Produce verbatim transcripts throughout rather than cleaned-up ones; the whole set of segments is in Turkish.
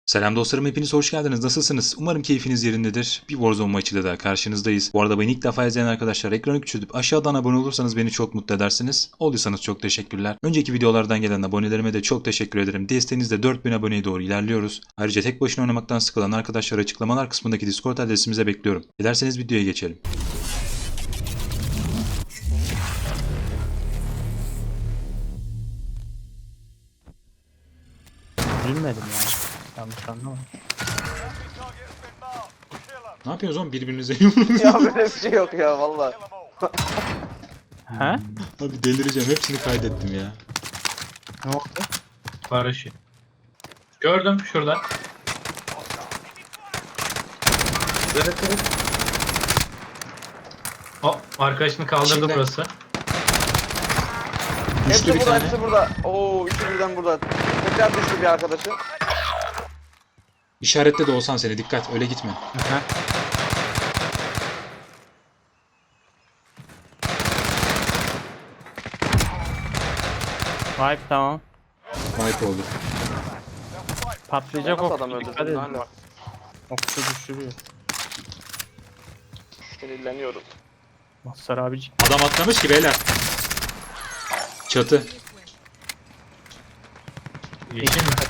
Selam dostlarım, hepiniz hoş geldiniz. Nasılsınız? Umarım keyfiniz yerindedir. Bir Warzone maçıyla da karşınızdayız. Bu arada beni ilk defa izleyen arkadaşlar ekranı küçültüp aşağıdan abone olursanız beni çok mutlu edersiniz. Olduysanız çok teşekkürler. Önceki videolardan gelen abonelerime de çok teşekkür ederim. Desteğinizle dört bin aboneye doğru ilerliyoruz. Ayrıca tek başına oynamaktan sıkılan arkadaşlar açıklamalar kısmındaki Discord adresimize bekliyorum. Dilerseniz videoya geçelim. Bilmedim ya. Yanlış anlama. Ne yapıyorsunuz oğlum, birbirinize yumruğunuzu? Ya böyle bir şey yok ya valla. He? Abi delireceğim, hepsini kaydettim ya. Ne oldu? Paraşüt. Gördüm şurada. Evet evet. O arkadaşını kaldırdı İçinde. burası. Düştü Hepsi bir burada, tane. hepsi burada. Oo, üçü birden burada. Tekrar düştü bir arkadaşı. İşaretle de olsan seni, dikkat, öyle gitme. Hı. Vibe tamam. Wipe oldu. Patlayacak Nasıl ok. adam Dikkat öldürdün edin. hala? Okçu düşürüyor. Sinirleniyorum. Mazhar abicik. Adam atlamış ki beyler. Çatı. Yeşil mi?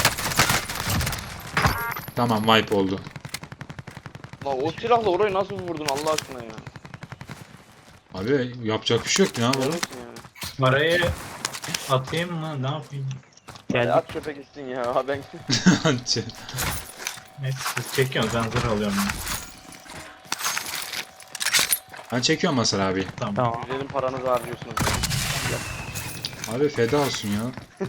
Tamam, wipe oldu. La o silahla orayı nasıl vurdun Allah aşkına ya? Abi yapacak bir şey yok ki, ne yapalım? Görürsün yani. Parayı atayım mı? Ne yapayım? Hadi Geldik. at çöpe gitsin ya. Ha ben Neyse siz çekiyorsunuz ben zırh alıyorum. Ben çekiyorum Masar abi. Tamam. Tamam. güzelim paranızı harcıyorsunuz. Abi feda olsun ya.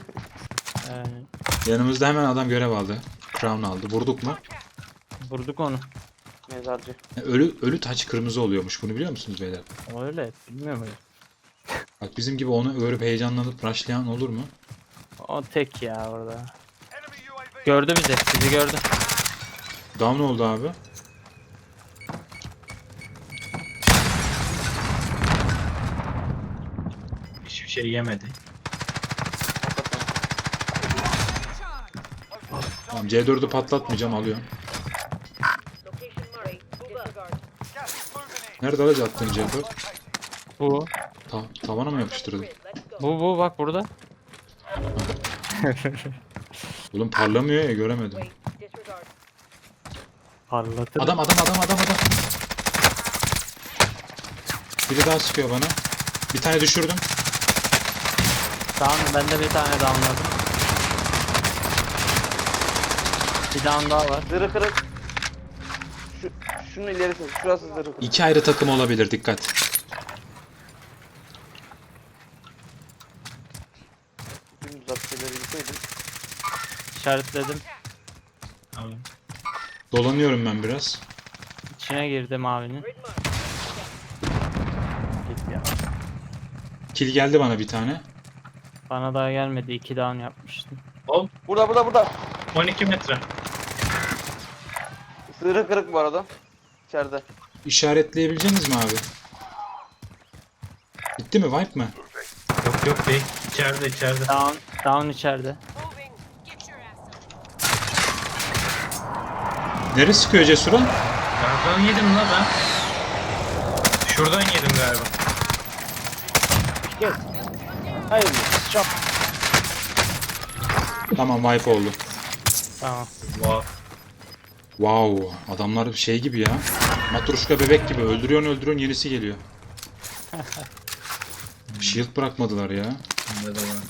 Ee, Yanımızda hemen adam görev aldı. Crown aldı. Vurduk mu? vurduk onu. Mezarcı. E, Ölü ölü taç kırmızı oluyormuş. Bunu biliyor musunuz beyler? O öyle. Bilmiyorum öyle. Bak bizim gibi onu örüp heyecanlanıp rushlayan olur mu? O tek ya orada. Gördü bizi. Bizi gördü. Down oldu abi. Hiçbir şey yemedi. Tamam, C dördü patlatmayacağım, alıyorum. Nerede aracı attın C dört? Bu. Ta tavana mı yapıştırdın? Bu bu bak burada. Oğlum parlamıyor ya, göremedim. Parlatır. Adam adam adam adam adam. Biri daha sıkıyor bana. Bir tane düşürdüm. Tamam ben de bir tane downladım. Bir down daha var. Zırhı kırık. Şu, şunun ilerisi. Şurası zırhı kırık. İki ayrı takım olabilir, dikkat. Dümdüz atışları gitseydim. İşaretledim. Tamam. Dolanıyorum ben biraz. İçine girdi mavinin. Git ya. Kill geldi bana bir tane. Bana daha gelmedi. iki down yapmıştım. Hop Burada burada burada. on iki metre. Zırhı kırık bu arada. İçeride. İşaretleyebileceğiniz mi abi? Bitti mi? Wipe mı? Yok yok değil. İçeride içeride. Down, down içeride. Neresi sıkıyor Cesur'a? Nereden yedim la ben? Şuradan yedim galiba. Hayır. Çap. Tamam, wipe oldu. Tamam. Wow. Wow, adamlar şey gibi ya. Matruşka bebek gibi, öldürüyorsun öldürüyorsun, yenisi geliyor. Shield bırakmadılar ya. Bende de var.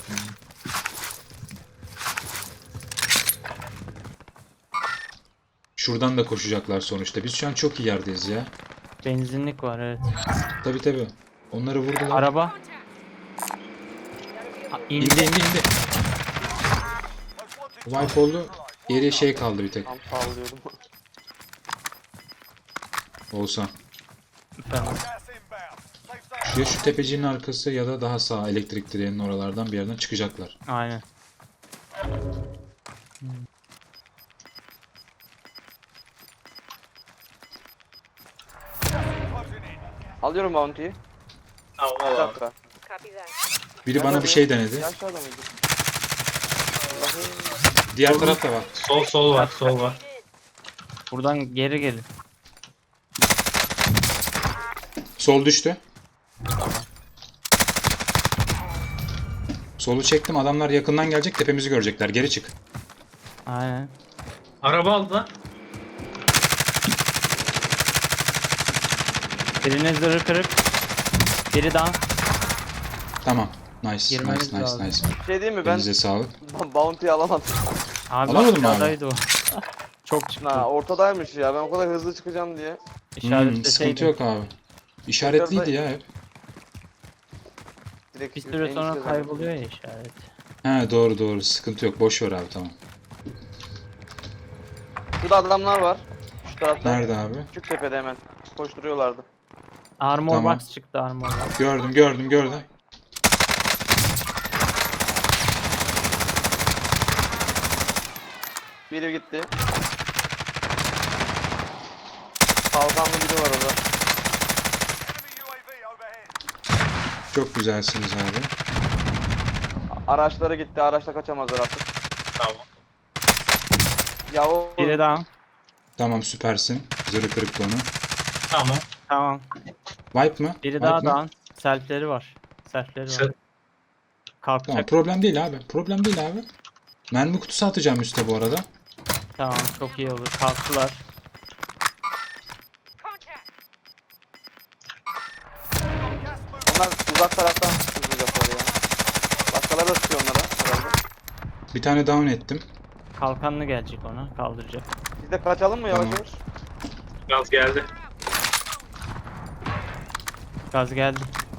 Şuradan da koşacaklar sonuçta. Biz şu an çok iyi yerdeyiz ya. Benzinlik var evet. Tabi tabi. Onları vurdular. Araba. Ha, İndi indi. indi indi. Wipe oldu. Geriye şey kaldı bir tek. Tam sağlıyordum. Olsa. Tamam. Ya şu tepecinin arkası ya da daha sağ elektrik direğinin oralardan bir yerden çıkacaklar. Aynen. Alıyorum bounty'yi. Tamam Bir al abi. dakika. Biri bana bir şey denedi. Ya aşağıda mıydı? Diğer taraf da var. Sol sol var, sol var. Buradan geri gelin. Sol düştü. Solu çektim. Adamlar yakından gelecek. Tepemizi görecekler. Geri çık. Aynen. Araba aldılar. Birinin zırhı kırık. Biri down. Tamam. Nice. Girmemiz Nice. Nice. lazım. Nice. Bir şey diyeyim mi, ben Elinize sağlık. bounty'yi alamadım. Abi Alamadın mı abi? aşağıdaydı o. Çok çıktı. Ha, ortadaymış ya, ben o kadar hızlı çıkacağım diye. Hmm, İşaretleseydim. sıkıntı yok abi. İşaretliydi ya hep. Direkt Bir süre en sonra üstte kayboluyor ya işaret. He doğru doğru. Sıkıntı yok. Boş ver abi tamam. zaten. Şurada adamlar var. Şu tarafta. Nerede abi? Küçük tepede hemen. Koşturuyorlardı. Armor Tamam. box çıktı armor box. Gördüm gördüm gördüm. Biri gitti. Kalkanlı biri var orada. Çok güzelsiniz abi. Araçları gitti. Araçla kaçamazlar artık. Tamam. Ya o Biri down. Tamam süpersin. Zırhı kırıktı onu. Tamam. Tamam. Wipe mı? Biri Wipe daha mı? down. Selfleri var. Selfleri var. Sel- Kalkacak. Tamam problem değil abi. Problem değil abi. Mermi kutusu atacağım üste bu arada. Tamam çok iyi olur. Kalktılar. onlar uzak taraftan sıkılacaklar ya. Başkaları da sıkıyor onlara herhalde. Bir tane down ettim. Kalkanlı gelecek ona. Kaldıracak. Biz de kaçalım mı yavaş Tamam. yavaş? Gaz geldi. Gaz geldi.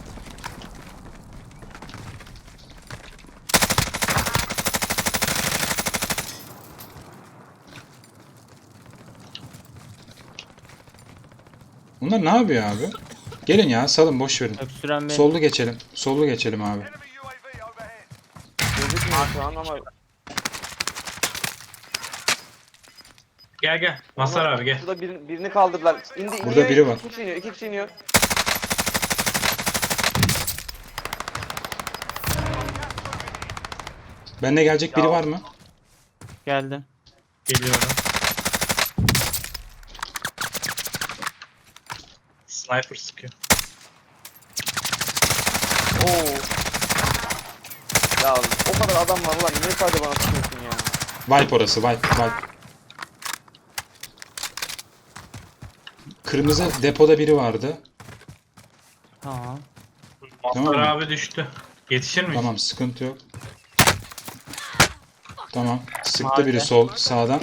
Bunlar ne yapıyor abi? Gelin ya salın boş verin. Öksüren benim. Sollu geçelim. Sollu geçelim abi. Gözükmüyor şu an ama. Gel gel. Masar abi gel. Şurada bir, birini kaldırdılar. İndi, Burada iniyor, biri var. İki kişi iniyor. İki kişi iniyor. Benle gelecek biri Ya. var mı? Geldim. Geliyorum. Sniper sıkıyor. Oo. Ya o kadar adam var ulan. Niye sadece bana sıkıyorsun ya? Wipe orası wipe wipe. Kırmızı depoda biri vardı. Tamam. Masar Tamam mı? abi düştü. Yetişir miyiz? Tamam sıkıntı yok. Tamam. Sıktı Mavi. biri sol sağdan.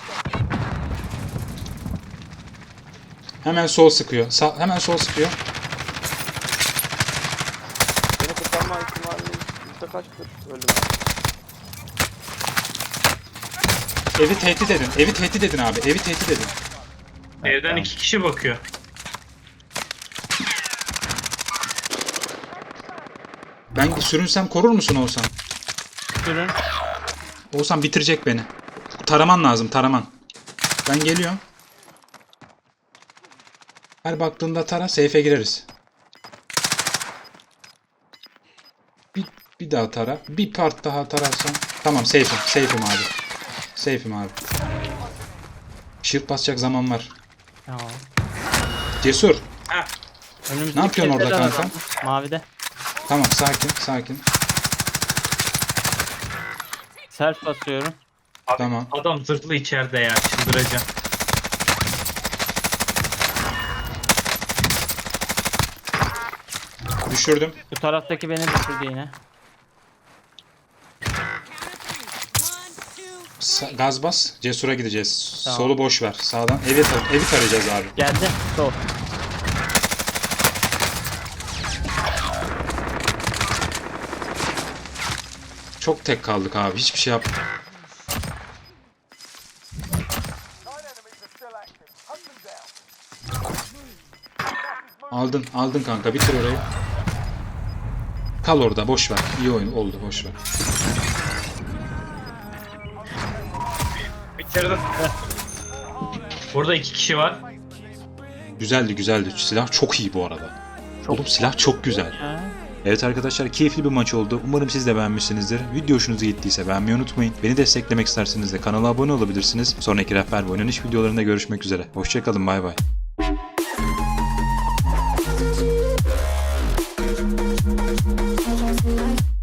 Hemen sol sıkıyor. Sağ, hemen sol sıkıyor. Beni kurtarma ihtimali yüzde kaçtır? Öldüm abi. Evi tehdit edin. Evi tehdit edin abi. Evi tehdit edin. Evden iki kişi bakıyor. Ben sürünsem korur musun Oğuzhan? Sürün. Oğuzhan bitirecek beni. Taraman lazım taraman. Ben geliyorum. Her baktığında tara safe'e gireriz. Bir, bir daha tara. Bir part daha tararsan. Tamam safe'im. Safe'im abi. Safe'im abi. Shield basacak zaman var. Tamam. Cesur. Heh. Önümüzdeki Ne yapıyorsun orada tepeden kanka? adam. Mavide. Tamam sakin sakin. Self basıyorum. Abi, Tamam. Adam zırhlı içeride ya. Çıldıracağım. Düşürdüm. Bu taraftaki beni düşürdü yine. Sa- gaz bas. Cesur'a gideceğiz. Tamam. Solu boş ver. Sağdan. Evi, tar- evi tarayacağız abi. Geldi. Sol. Çok tek kaldık abi. Hiçbir şey yap. Aldın, aldın kanka. Bitir orayı. Kal orada. Boş ver. İyi oyun oldu. Boş ver. Bitirdim. Burada iki kişi var. Güzeldi, güzeldi. Silah çok iyi bu arada. Çok- Oğlum silah çok güzel. Ha? Evet arkadaşlar, keyifli bir maç oldu. Umarım siz de beğenmişsinizdir. Video hoşunuza gittiyse beğenmeyi unutmayın. Beni desteklemek isterseniz de kanala abone olabilirsiniz. Sonraki rehber ve oynanış videolarında görüşmek üzere. Hoşçakalın, bay bay. Thank you.